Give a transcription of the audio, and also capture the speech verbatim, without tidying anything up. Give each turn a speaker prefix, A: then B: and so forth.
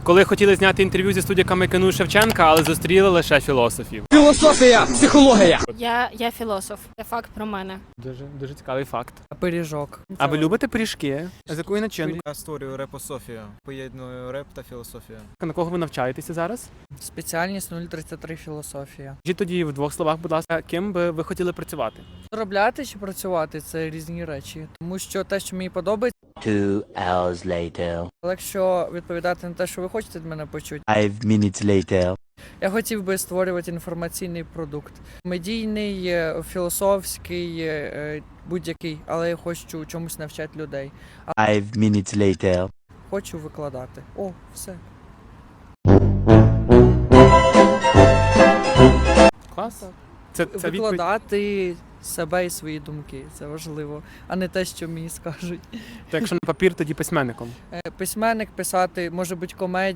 A: Коли хотіли зняти інтерв'ю зі студіками КНУ Шевченка, але зустріли лише філософів.
B: Філософія, психологія.
C: Я, я філософ. Це факт про мене.
A: Дуже, дуже цікавий факт.
D: Пиріжок.
A: А ви любите пиріжки? З якої начинки?
E: Я створюю репософію, поєдную реп та філософію.
A: На кого ви навчаєтеся зараз?
D: Спеціальність нуль тридцять три філософія.
A: Скажіть тоді в двох словах, будь ласка, ким би ви хотіли працювати?
D: Заробляти чи працювати це різні речі. Тому що те, що мені подобається,
F: Two hours later.
D: але якщо відповідати на те, що ви хочете від мене почути,
F: Five minutes later.
D: я хотів би створювати інформаційний продукт. Медійний, е, філософський, е, будь-який, але я хочу чомусь навчати людей. А
F: Five minutes later.
D: хочу викладати. О, все.
A: Клас. Це, це відповідь.
D: Викладати себе і свої думки. Це важливо, а не те, що мені скажуть.
A: То якщо на папір, тоді письменником.
D: Е, Письменник писати, може бути комедія.